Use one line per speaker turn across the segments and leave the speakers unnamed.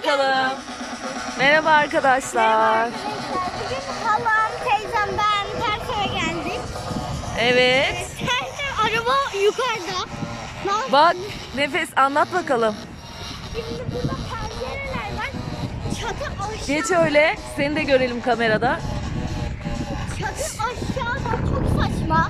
bakalım. Merhaba arkadaşlar.
Bugün halam, teyzem, ben ters eve geldik.
Evet.
Ters araba yukarıda.
Bak Nefes anlat bakalım.
Şimdi burada pencereler var. Çatı aşağı.
Geç öyle. Seni de görelim kamerada.
Çatı aşağıda, çok saçma.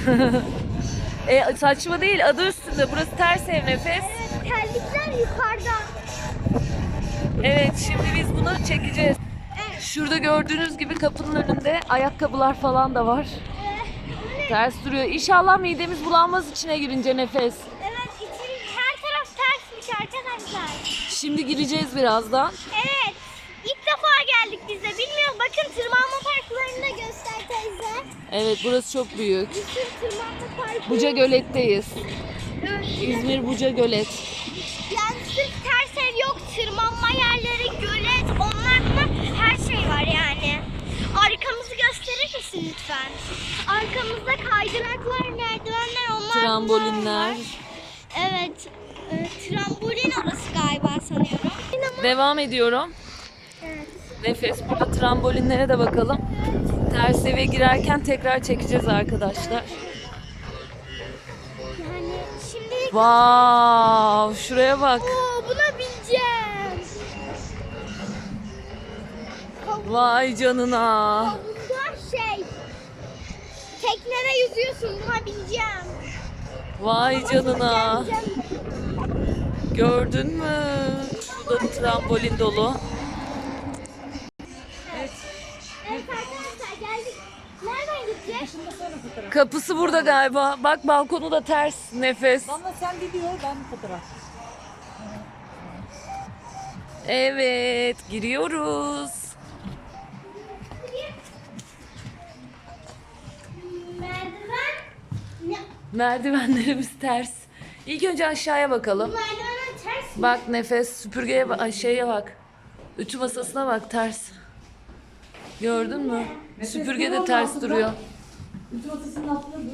Saçma değil, adı üstünde. Burası ters ev Nefes.
Evet, terlikler yukarıda.
Evet, şimdi biz bunu çekeceğiz.
Evet.
Şurada gördüğünüz gibi kapının önünde ayakkabılar falan da var. Ters duruyor. İnşallah midemiz bulanmaz içine girince Nefes.
Evet, için her taraf tersmiş arkadaşlar.
Şimdi gireceğiz birazdan.
Evet, ilk defa geldik biz de. Bilmiyorum, bakın tırmanma parklarını da göster teyze.
Evet, burası çok büyük.
Bir sürü tırmanma parkı.
Buca Gölet'teyiz.
Evet.
İzmir Buca Gölet.
Yani sırf ters ev yok, tırmanma yerleri, gölet, onlarla her şey var yani. Arkamızı gösterir misin lütfen? Arkamızda kaydıraklar, merdivenler, onlar
Trambolinler.
var. Evet, trambolin orası galiba sanıyorum.
Devam ediyorum.
Evet.
Nefes, burada trambolinlere de bakalım. Ters eve girerken tekrar çekeceğiz arkadaşlar.
Yani şimdi...
Wow, şuraya bak.
Oo, buna bineceğim.
Vay canına.
Havuzda teknede yüzüyorsun, buna bineceğim.
Vay canına.
Geleceğim.
Gördün mü? Şurada bir trambolin dolu.
Evet arkadaşlar, geldik. Nereden gideceğiz?
Kapısı burada galiba. Bak balkonu da ters Nefes.
Valla sen video, ben fotoğraf.
Evet, giriyoruz.
Merdiven. Ne?
Merdivenlerimiz ters. İlk önce aşağıya bakalım.
Merdiven ters mi?
Bak Nefes, süpürgeye bak, ay, şeye bak. Ütü masasına bak, ters. Gördün mü? Süpürge de ters duruyor.
Ütü masasının altında dur.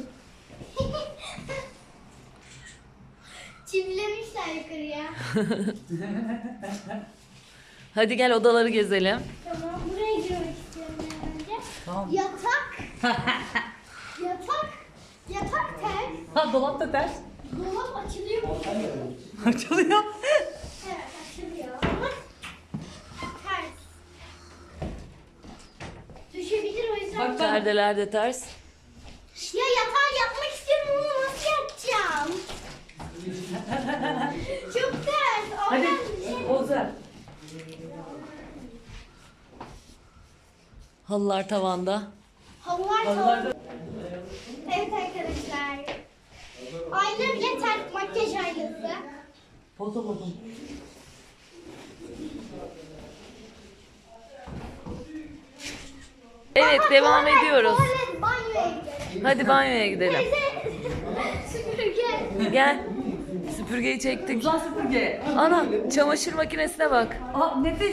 Çivilemişler yukarıya.
Hadi gel odaları gezelim.
Tamam, buraya girmek istiyorum önce.
Tamam.
Yatak. Yatak ters.
Ha, dolap da ters.
Dolap açılıyor mu?
Açılıyor.
Evet, açılıyor. Ama ters. Düşebilir, o yüzden.
Bak,
Perdeler de ters.
Ya yatağı yapmak istiyorum ama nasıl yapacağım? Çok ters.
Hadi
Oradan bir şey-
Oğuzhan.
Halılar tavanda.
Halılar
Halılar
tavanda. Evet arkadaşlar. Ayna bile ters, makyaj aynası.
Foto buldum.
Evet, devam ediyoruz.
Tuvalet, banyoya gidelim.
Hadi banyoya gidelim.
Teyze, süpürge.
Gel. Süpürgeyi çektik.
Uzan süpürge.
Ana, çamaşır makinesine bak.
Aa, nefes.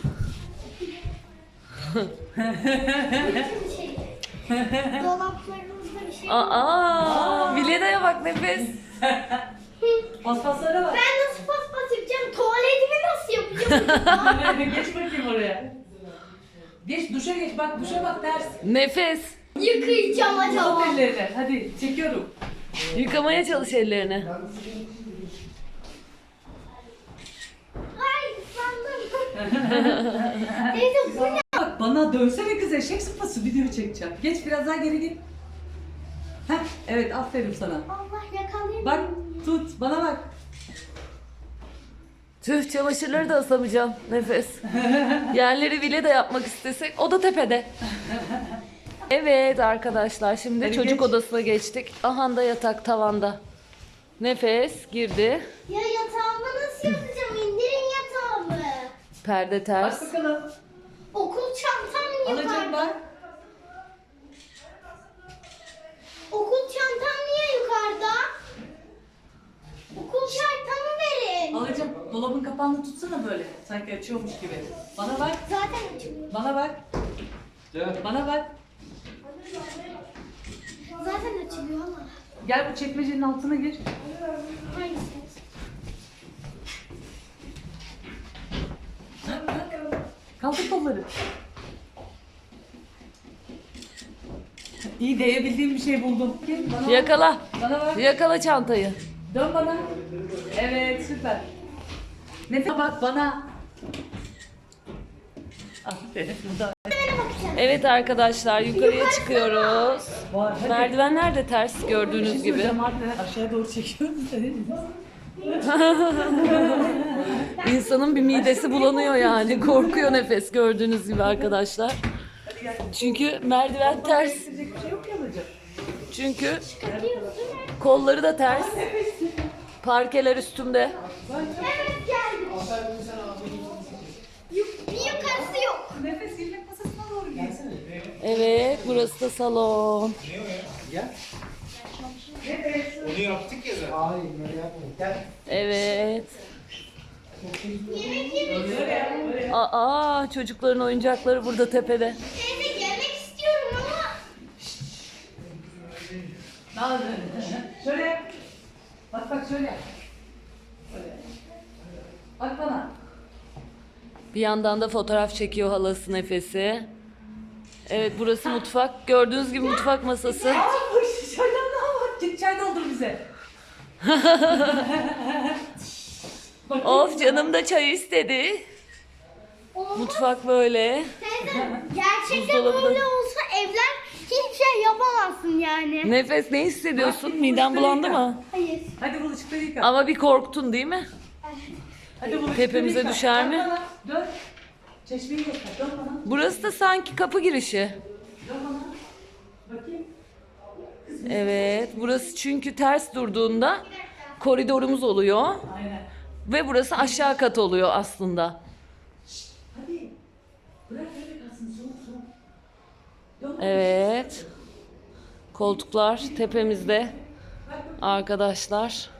Dolaplarımızda bir şey.
Aa, Vileda'ya bak Nefes.
Paspaslara bak.
Ben nasıl paspas yapacağım? Tuvaletimi nasıl yapacağım?
Geç bakayım oraya. Geç, duşa geç. Bak, duşa bak, ters.
Nefes.
Yıkayacağım acaba.
Uzat ellerini. Hadi, çekiyorum.
Yıkamaya çalış ellerini.
Ay sandım. Teyze bu ne?
Bak, bana dönsene kız, eşek sıpası, video çekeceğim. Geç, biraz daha geri git. Heh, evet, aferin sana.
Allah yakalayayım.
Bak, tut, bana bak.
Tüh, çamaşırları da asamayacağım Nefes. Yerleri bile de yapmak istesek o da tepede. Evet arkadaşlar, şimdi
Hadi
çocuk
geç.
odasına geçtik. Aha da yatak tavanda. Nefes girdi.
Ya yatağımı nasıl yapacağım? İndirin yatağımı.
Perde
Bak
ters.
bakalım.
Okul çantam
Alacağım
yukarıda.
bak.
Okul çantam niye yukarıda? Okul çantamı verin.
Alacağım. Dolabın kapağını tutsana böyle. Sanki açıyormuş gibi. Bana bak.
Zaten açılıyor.
Bana bak. Bana bak.
Zaten açılıyor ama.
Gel bu çekmecenin altına gir.
Hangisi?
Kaldır kolları. İyi değebildiğim bir şey buldum. Bana
Yakala.
Bana bak.
Yakala çantayı.
Dön bana. Evet süper. Nefes bak bana. Aferin.
Evet arkadaşlar yukarıya çıkıyoruz.
Var. Hadi.
Merdivenler de ters gördüğünüz gibi.
Hocam aşağıya doğru çekiyorum seni.
İnsanın bir midesi bulanıyor yani. Korkuyor nefes gördüğünüz gibi arkadaşlar. Çünkü merdiven ters.
Yapacak bir şey yok ya hocam.
Çünkü kolları da ters. Parkeler üstümde.
Evet geldim. Bir yukarısı yok.
Nefes yemek masasına doğru gelsene.
Evet burası da salon.
Onu yaptık ya zaten. Hayır, öyle yapmadık. Gel.
Evet.
Yemek yemek.
Aa çocukların oyuncakları burada tepede.
Teyze yemek istiyorum ama.
Nazlı. Şöyle yap. Bak bak şöyle yap. Böyle. Bak bana.
Bir yandan da fotoğraf çekiyor halası Nefes'i. Evet burası mutfak. Gördüğünüz gibi mutfak masası.
Aa bu çaydan daha bak. Git çay doldur bize.
Of canım da çay istedi. Mutfak böyle.
Teyze gerçekten
Buzdolabı da-
böyle olsa evler hiçbir şey yapamazsın yani.
Nefes ne hissediyorsun? Miden bulandı mı?
Hayır.
Hadi bulaşıkları yıka.
Ama bir korktun değil mi?
Hadi bulaşıkları
Tepemize
yıka.
düşer mi?
Dön bana. Dön. Çeşmeyi göster. Dön bana.
Burası da sanki kapı girişi.
Dön bana. Bakayım.
Evet burası çünkü ters durduğunda koridorumuz oluyor.
Aynen.
Ve burası aşağı kat oluyor aslında.
Hadi. Bırak öyle kalsın. Soğuk soğuk. Dön.
Evet. Koltuklar tepemizde. Arkadaşlar.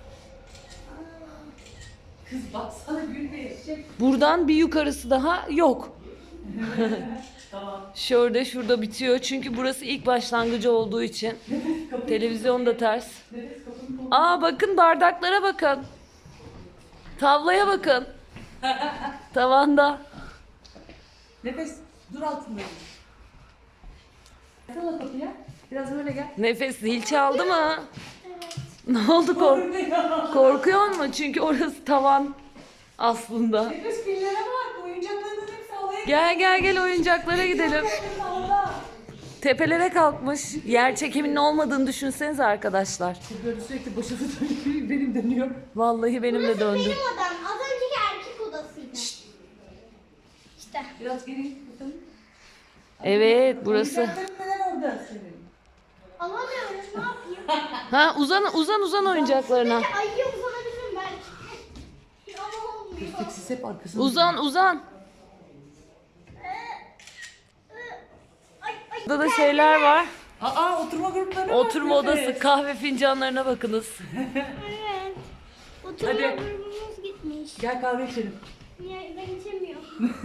Kız baksana gül ve eşek.
Buradan bir yukarısı daha yok.
Tamam.
Şurada bitiyor. Çünkü burası ilk başlangıcı olduğu için. Televizyon da ters.
Nefes kapını kol.
Aa bakın bardaklara bakın. Tavlaya bakın. Tavanda.
Nefes dur altında. Gelsene kapıya. Biraz böyle gel.
Nefes zil çaldı mı? Ne oldu korkuyor mu? Çünkü orası tavan aslında.
Nefes pillere bak. Oyuncaklarının hepsi havaya
Gel oyuncaklara gidelim.
havada.
Tepelere kalkmış. Yer çekiminin olmadığını düşünsenize arkadaşlar.
Böyle sürekli başımı dönüyor. Benim dönüyor.
Vallahi benim de
Burası
döndü.
benim odam. Az önceki erkek odasıydı. İşte.
Biraz geri git bakalım.
Evet burası.
Oyuncakların neden orada senin?
Alamıyorum. Ne yapayım?
Ha uzan oyuncaklarına.
Ayıya uzanabilirim belki. Ama olmuyor.
Siz hep arkasında.
Uzan.
Ay,
Burada da şeyler var.
Aa oturma grupları var.
Oturma
Nefes.
odası, kahve fincanlarına bakınız.
Evet. Oturma
Hadi.
grubumuz gitmiş.
Gel kahve içelim.
Niye ben içemiyorum.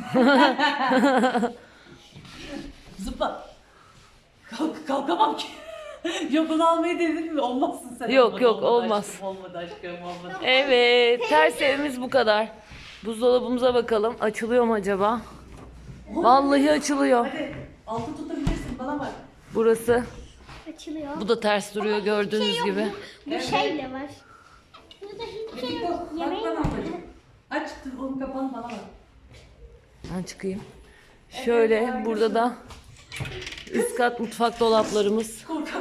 Zıpla. Kalkamam ki. Yok onu almayı denedin mi? Olmazsın sen.
Yok,
Olmadı,
olmaz.
Aşkım, olmadı aşkım olmadı.
Evet, ters evimiz bu kadar. Buzdolabımıza bakalım. Açılıyor mu acaba? Vallahi açılıyor.
Hadi altı tutabilirsin bana bak.
Burası.
Açılıyor.
Bu da ters duruyor gördüğünüz gibi.
Bu şeyle var. Burada hiçbir şey yok.
Bak
Yemeği
bana
var.
ablacığım. Aç onun kapağını bana bak.
Ben çıkayım. Şöyle burada da üst kat mutfak dolaplarımız.
Korkak.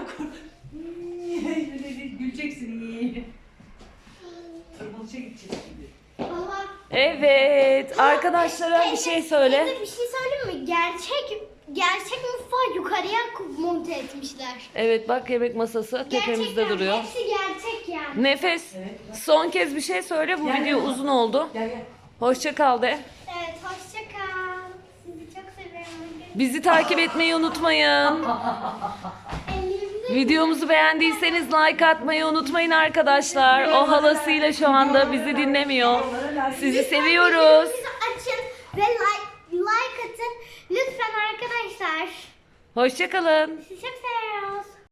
Güleceksin. Tırmanışa gideceğiz şimdi.
Baba.
Evet, arkadaşlara bir şey söyle.
Teyze bir şey söyleyeyim mi? Gerçek mutfağı yukarıya monte etmişler.
Evet bak yemek masası tepemizde
Gerçekten
duruyor.
hepsi gerçek yani.
Nefes. Son kez bir şey söyle. Bu
Gel,
video
gel.
uzun oldu.
Gel.
Hoşça kal de.
Evet hoşça kal. Sizi çok seviyorum.
Bizi takip etmeyi unutmayın.
Ellerinize
Videomuzu beğendiyseniz like atmayı unutmayın arkadaşlar. O halasıyla şu anda bizi dinlemiyor. Sizi seviyoruz.
Bizi açın ve like atın. Lütfen arkadaşlar.
Hoşça kalın.
Sizi çok seviyoruz.